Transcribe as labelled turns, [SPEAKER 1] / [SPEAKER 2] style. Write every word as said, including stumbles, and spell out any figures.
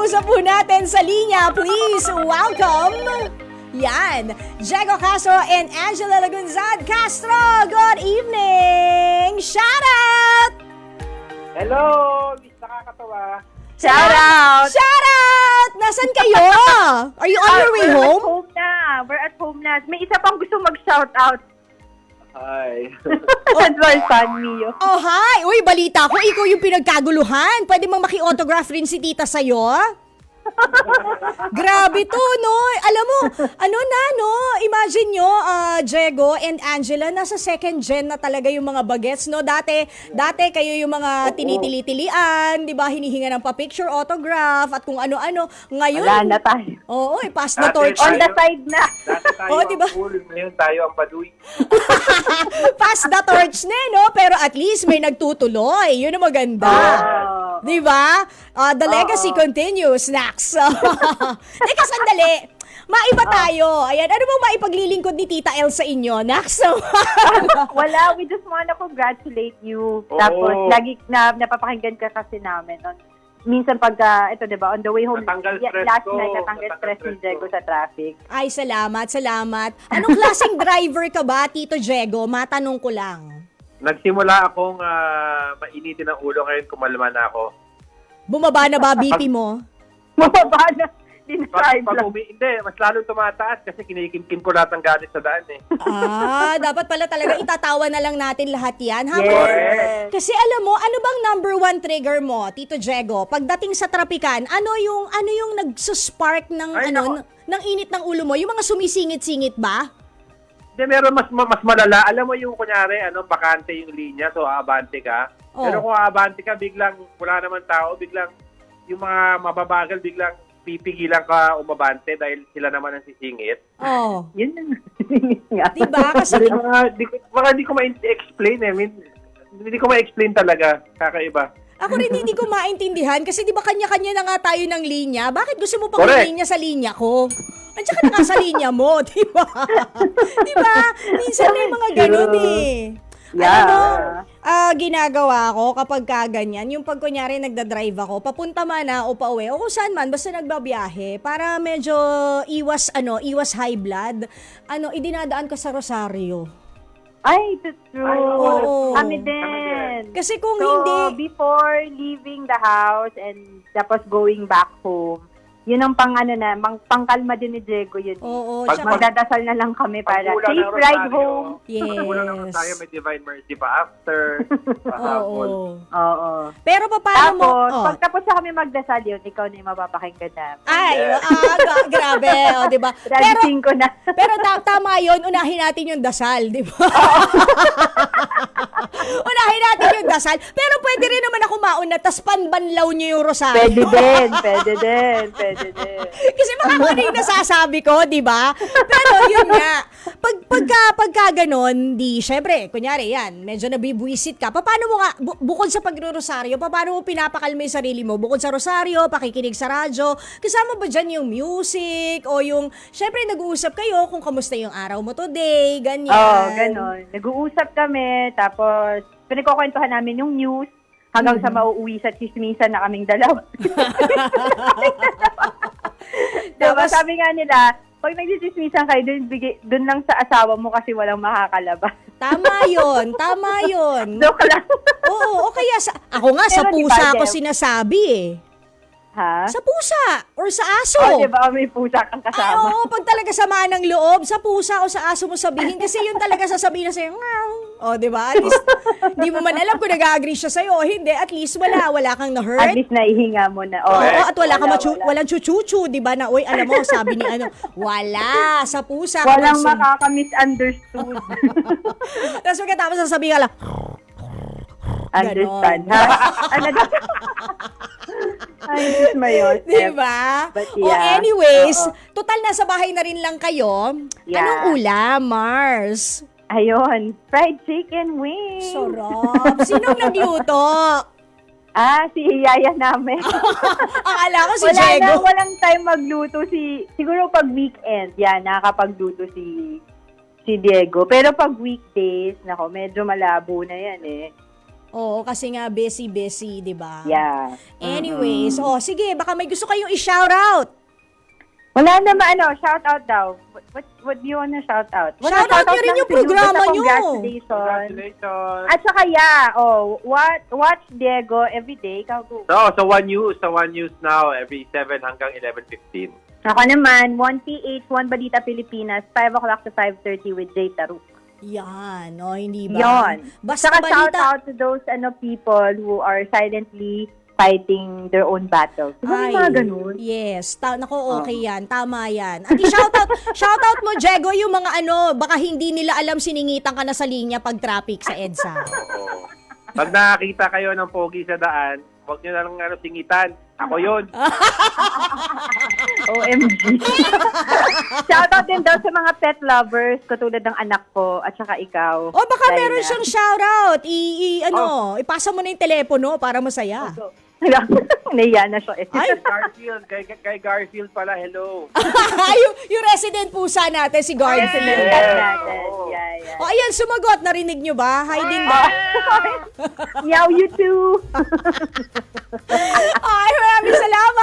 [SPEAKER 1] Kausap po natin sa linya, please welcome, yan, Diego Castro and Angela Lagunzad Castro. Good evening! Shout out!
[SPEAKER 2] Hello, Miss Nakakatawa.
[SPEAKER 3] Shout out!
[SPEAKER 1] Shout out! Nasaan kayo? Are you on your way
[SPEAKER 3] We're
[SPEAKER 1] home?
[SPEAKER 3] at home na. We're at home na. May isa pang gusto mag-shout out.
[SPEAKER 2] Hi.
[SPEAKER 3] That's my son, Mio.
[SPEAKER 1] Oh, hi! Uy, balita ko, ikaw yung pinagkaguluhan. Pwede mang maki-autograph rin si tita sa'yo? Grabe to, no? Alam mo, ano na, no? Imagine nyo, uh, Diego and Angela, nasa second gen na talaga yung mga bagets, no? Dati, dati kayo yung mga tinitili-tilian, di ba? Hinihinga ng pa-picture, autograph, at kung ano-ano. Ngayon,
[SPEAKER 3] Wala na tayo.
[SPEAKER 1] oo, eh, pass the
[SPEAKER 2] Dati
[SPEAKER 1] torch.
[SPEAKER 3] On
[SPEAKER 2] tayo-
[SPEAKER 3] the side na.
[SPEAKER 2] Dati tayo
[SPEAKER 1] Oh,
[SPEAKER 2] ang
[SPEAKER 1] diba?
[SPEAKER 2] cool, ngayon tayo ang baduy.
[SPEAKER 1] Pass the torch na, eh, no? Pero at least may nagtutuloy. Yun ang maganda.
[SPEAKER 3] Oh.
[SPEAKER 1] Di ba? Uh, the legacy
[SPEAKER 3] Oo.
[SPEAKER 1] continues, Nax. Teka, sandali. Maiba tayo. Ayan, ano bang maipaglilingkod ni Tita El sa inyo, Nax?
[SPEAKER 3] Wala, we just wanna congratulate you.
[SPEAKER 2] Oo.
[SPEAKER 3] Tapos, lagi na napapakinggan ka kasi namin. On, minsan pagka, ito diba, on the way home,
[SPEAKER 2] Natanggal
[SPEAKER 3] y-
[SPEAKER 2] stress
[SPEAKER 3] last
[SPEAKER 2] ko.
[SPEAKER 3] night, natanggal
[SPEAKER 2] Natanggal
[SPEAKER 3] stress ni
[SPEAKER 2] stress
[SPEAKER 3] Diego
[SPEAKER 2] ko.
[SPEAKER 3] sa traffic.
[SPEAKER 1] Ay, salamat, salamat. Anong klaseng driver ka ba, Tito Diego? Matanong ko lang.
[SPEAKER 2] Nagsimula akong ah, mainitin ang ulo ngayon, kumalma na ako.
[SPEAKER 1] Bumaba na ba B P mo?
[SPEAKER 3] Mababa na.
[SPEAKER 2] Pag,
[SPEAKER 3] Dinascribe
[SPEAKER 2] pag
[SPEAKER 3] lang.
[SPEAKER 2] umi, hindi, mas lalong tumataas kasi kinikimkim ko lahat ng galit sa daan eh.
[SPEAKER 1] Ah, dapat pala talaga itatawa na lang natin lahat yan. Habang,
[SPEAKER 3] Yes.
[SPEAKER 1] Kasi alam mo, ano bang number one trigger mo, Tito Diego? Pagdating sa trapikan, ano yung ano yung nagsuspark ng
[SPEAKER 2] Ay,
[SPEAKER 1] ano
[SPEAKER 2] nako.
[SPEAKER 1] ng init ng ulo mo? Yung mga sumisingit-singit ba?
[SPEAKER 2] Hindi, meron mas ma- mas malala. Alam mo yung kunyari, ano, bakante yung linya, so aabante ka.
[SPEAKER 1] Oh.
[SPEAKER 2] Pero kung aabante ka, biglang wala naman tao, biglang yung mga mababagal, biglang pipigilan ka umabante dahil sila naman ang sisingit.
[SPEAKER 1] Oh.
[SPEAKER 3] Yun na. nga.
[SPEAKER 1] Diba? Kasi
[SPEAKER 2] Kasi mga, di, ko- mga di ko ma-explain eh. I mean, hindi ko ma-explain talaga. Kakaiba.
[SPEAKER 1] ako rin hindi ko maintindihan kasi di ba kanya-kanya na nga tayo ng linya? Bakit gusto mo pang
[SPEAKER 2] Correct.
[SPEAKER 1] linya sa linya ko? Andiyan ka na nga sa linya mo, di ba? Di ba? Minsan may mga ganun eh.
[SPEAKER 3] Yeah.
[SPEAKER 1] Alam mo, ah, ginagawa ko kapag kaganyan, yung pag kunyari nagdadrive ako, papunta man na o pauwi, o kung saan man, basta nagbabiyahe, para medyo iwas, ano, iwas high blood, ano, idinadaan ko sa Rosario.
[SPEAKER 3] Ay, that's true.
[SPEAKER 2] Ay,
[SPEAKER 1] oo.
[SPEAKER 3] Kami
[SPEAKER 2] Kami
[SPEAKER 3] din.
[SPEAKER 1] Kasi kung
[SPEAKER 3] So,
[SPEAKER 1] hindi,
[SPEAKER 3] before leaving the house and tapos going back home, yun ang pang ano na, mang, pangkalma din ni Diego yun.
[SPEAKER 1] oo,
[SPEAKER 2] Pag-
[SPEAKER 1] tsaka,
[SPEAKER 3] Magdadasal na lang kami para
[SPEAKER 2] Pagkulang
[SPEAKER 3] safe
[SPEAKER 2] ng
[SPEAKER 3] ride
[SPEAKER 2] Rosario,
[SPEAKER 3] home.
[SPEAKER 2] pagkulang ng
[SPEAKER 1] Yes.
[SPEAKER 2] Rosario, may Divine Mercy pa after. Pahapon.
[SPEAKER 1] oo.
[SPEAKER 3] Oo.
[SPEAKER 1] Pero pa- paano mo,
[SPEAKER 3] Tapos,
[SPEAKER 1] oh.
[SPEAKER 3] pag tapos na kami magdasal yun, ikaw na yung mapapakinggan namin.
[SPEAKER 1] Ay, ah, gra- grabe, o, di ba? Pero,
[SPEAKER 3] Raditing ko na.
[SPEAKER 1] pero ta- tama yun, unahin natin yung dasal, di ba? Unahin natin yung dasal. Pero pwede rin naman ako mauna, tas panbanlaw niyo yung rosario.
[SPEAKER 3] Pwede din, pwede din, pwede din.
[SPEAKER 1] Kasi baka kung ano yung nasasabi ko, di ba? Pero yun nga, pag, pagka, pagka ganon, di, syempre, kunyari yan, medyo nabibwisit ka. Pa- Paano mo nga, bu- bukod sa pagro-rosaryo, pa- paano mo pinapakalma yung sarili mo? Bukod sa rosaryo, pakikinig sa radyo, kasama ba dyan yung music o yung, syempre, nag-uusap kayo kung kamusta yung araw mo today, ganyan.
[SPEAKER 3] Oo, oh, ganon. Nag-uusap kami, tapos pinagkukwentuhan namin yung news hanggang sa mauuwi sa chismisan na kaming dalawa. Diba,
[SPEAKER 1] Tapos-
[SPEAKER 3] sabi nga nila, pag nagsisismisan kayo, dun, bigay, dun lang sa asawa mo kasi walang makakalabas.
[SPEAKER 1] Tama yun, tama yun.
[SPEAKER 3] Joke lang.
[SPEAKER 1] Oo, o kaya sa, ako nga, sa
[SPEAKER 3] Pero di ba,
[SPEAKER 1] pusa ako
[SPEAKER 3] Deb?
[SPEAKER 1] sinasabi eh.
[SPEAKER 3] Ha?
[SPEAKER 1] Sa pusa or sa aso.
[SPEAKER 3] Oh, diba, may pusa kang
[SPEAKER 1] Ay,
[SPEAKER 3] kasama.
[SPEAKER 1] oo, pag talaga samaan ng loob, sa pusa o sa aso mo sabihin, kasi yun talaga sasabihin na sa'yo, ngaw. O, di ba? At least, di mo man alam kung nag-agree siya sa'yo o hindi. At least, wala, wala kang
[SPEAKER 3] At
[SPEAKER 1] na-hurt.
[SPEAKER 3] least naihinga mo na.
[SPEAKER 1] Oo,
[SPEAKER 3] Oh,
[SPEAKER 1] at wala, kang machu-
[SPEAKER 3] wala.
[SPEAKER 1] walang chuchuchu, di ba? Na, uy, alam mo, sabi ni ano, wala, sa pusa.
[SPEAKER 3] Walang
[SPEAKER 1] person-
[SPEAKER 3] makaka-misunderstood.
[SPEAKER 1] Tapos pagkatapos sasabihin ka lang,
[SPEAKER 3] Understand,
[SPEAKER 1] Ganon.
[SPEAKER 3] ha? Ano daw? Ay, Diyos mo yun.
[SPEAKER 1] di ba?
[SPEAKER 3] But
[SPEAKER 1] O
[SPEAKER 3] yeah,
[SPEAKER 1] anyways,
[SPEAKER 3] oo.
[SPEAKER 1] total nasa bahay na rin lang kayo.
[SPEAKER 3] Yeah.
[SPEAKER 1] Anong ulam, Mars?
[SPEAKER 3] Ayun, fried chicken wings.
[SPEAKER 1] Sarap. Sinong nagluto?
[SPEAKER 3] Ah, si Yaya namin.
[SPEAKER 1] Akala ko si
[SPEAKER 3] Wala
[SPEAKER 1] Diego.
[SPEAKER 3] na, walang time magluto si, siguro pag weekend, yan, nakakapagluto si si Diego. Pero pag weekdays, nako, medyo malabo na yan eh.
[SPEAKER 1] Oo, kasi nga busy-busy, di ba?
[SPEAKER 3] Yeah.
[SPEAKER 1] Anyways, oh, sige, baka may gusto kayong i-shoutout.
[SPEAKER 3] Wala naman, ano, shout out daw. What, what, what do you wanna shout out? Wala,
[SPEAKER 1] Shout out nyo rin
[SPEAKER 3] lang
[SPEAKER 1] yung
[SPEAKER 3] si Lou.
[SPEAKER 1] programa
[SPEAKER 3] Basta
[SPEAKER 1] nyo.
[SPEAKER 3] Congratulations.
[SPEAKER 2] Congratulations.
[SPEAKER 3] At saka, yeah, oh, what, watch Diego everyday. Ikaw, go.
[SPEAKER 2] So, sa One News, sa One News now, every seven hanggang eleven fifteen.
[SPEAKER 3] Ako naman, one P H, one Balita Pilipinas, five o'clock to five thirty with Jay Taruk.
[SPEAKER 1] Yan, o, hindi ba?
[SPEAKER 3] Yon.
[SPEAKER 1] Basta
[SPEAKER 3] Saka shout
[SPEAKER 1] balita.
[SPEAKER 3] out to those ano people who are silently fighting their own battles. Diba may
[SPEAKER 1] Ay,
[SPEAKER 3] mga ganun?
[SPEAKER 1] yes. Ta- nako, okay yan. Tama yan. At i-shoutout, shoutout mo, Diego, yung mga ano, baka hindi nila alam siningitan ka na sa linya pag traffic sa EDSA.
[SPEAKER 2] Oo. Pag nakakita kayo ng pogi sa daan, huwag nyo na lang ano, singitan. Ako yun.
[SPEAKER 3] O M G. Shout out din daw sa mga pet lovers, katulad ng anak ko at saka ikaw.
[SPEAKER 1] O baka
[SPEAKER 3] Dahil
[SPEAKER 1] meron
[SPEAKER 3] na-
[SPEAKER 1] siyang shoutout. I, i- ano, ipasa mo na yung telepono para masaya.
[SPEAKER 3] Naiya na siya eh.
[SPEAKER 2] Ay, Garfield. Kay, kay Garfield pala, hello.
[SPEAKER 1] yung, yung resident pusa natin, si Garfield.
[SPEAKER 3] Yes.
[SPEAKER 2] Yeah.
[SPEAKER 3] natin.
[SPEAKER 2] Oo.
[SPEAKER 3] Yeah, yeah.
[SPEAKER 1] O ayan, sumagot. Narinig nyo ba? Hi din ba?
[SPEAKER 3] Meow, you too.
[SPEAKER 1] Ay, maraming salamat.